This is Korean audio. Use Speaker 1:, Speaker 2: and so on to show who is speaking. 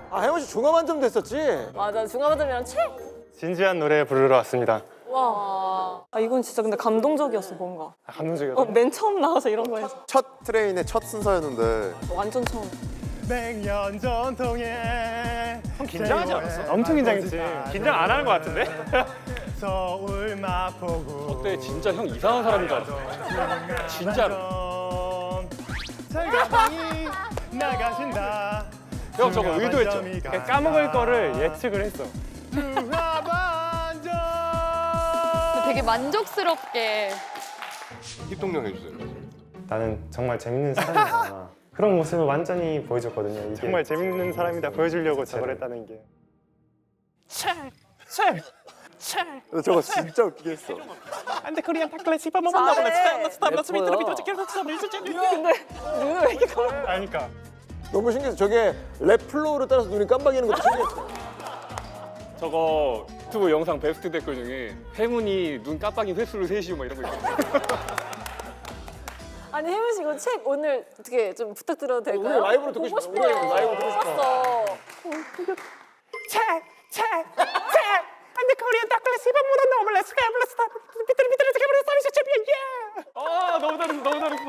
Speaker 1: 아 혜원 씨 중화반점 됐었지?
Speaker 2: 맞아, 중화반점이랑 책.
Speaker 3: 진지한 노래 부르러 왔습니다.
Speaker 2: 와. 아 이건 진짜 근데 감동적이었어 뭔가.
Speaker 3: 감동적이었어.
Speaker 2: 맨 처음 나와서 이런 거 해서
Speaker 4: 첫 트레인의 첫 순서였는데
Speaker 2: 완전 처음.
Speaker 3: 100년 전통의
Speaker 5: 형 긴장하지 않았어?
Speaker 3: 엄청 긴장했지.
Speaker 5: 긴장 안 하는 것 같은데?
Speaker 3: 서울 마포구.
Speaker 5: 그때 진짜 형 이상한 사람인 줄 알았어. 진짜로.
Speaker 3: 철가방이 나가신다.
Speaker 5: 형 저거 의도했죠?
Speaker 3: 그냥 까먹을 거를 예측을 했어. 중화반점.
Speaker 6: 되게 만족스럽게.
Speaker 4: 힙동령 해주세요.
Speaker 7: 나는 정말 재밌는 사람이다. 그런 모습을 완전히 보여줬거든요. 이게
Speaker 3: 정말 재밌는 사람이다 보여주려고 저걸 했다는 게.
Speaker 4: 근데 저거 진짜 웃기게 했어.
Speaker 5: 안돼 코리안 타클래스 힙합
Speaker 2: 잘해.
Speaker 5: 근데
Speaker 2: 눈을 왜 이렇게 감아?
Speaker 3: 아니까.
Speaker 1: 너무 신기했어. 저게 랩 플로우를 따라서 눈이 깜빡이는 것도 신기했어.
Speaker 5: 저거 유튜브 영상 베스트 댓글 중에 행운이 눈 깜빡인 횟수를 세시오 막 이런 거 있어.
Speaker 2: 아니 혜민 씨 이거 책 오늘 어떻게 좀 부탁드려도 될까요?
Speaker 1: 오늘 라이브로 듣고
Speaker 2: 보고
Speaker 1: 싶어.
Speaker 2: 싶어요.
Speaker 1: 오늘 라이브 듣고 싶어.
Speaker 2: 싶었어.
Speaker 3: 안돼 코리안 타클래스 힙합 모던 너무 렛츠 가 블레스 비틀 비틀 비틀 서비스 챔피언 예.
Speaker 5: 아 너무 잘했어 너무 잘했어.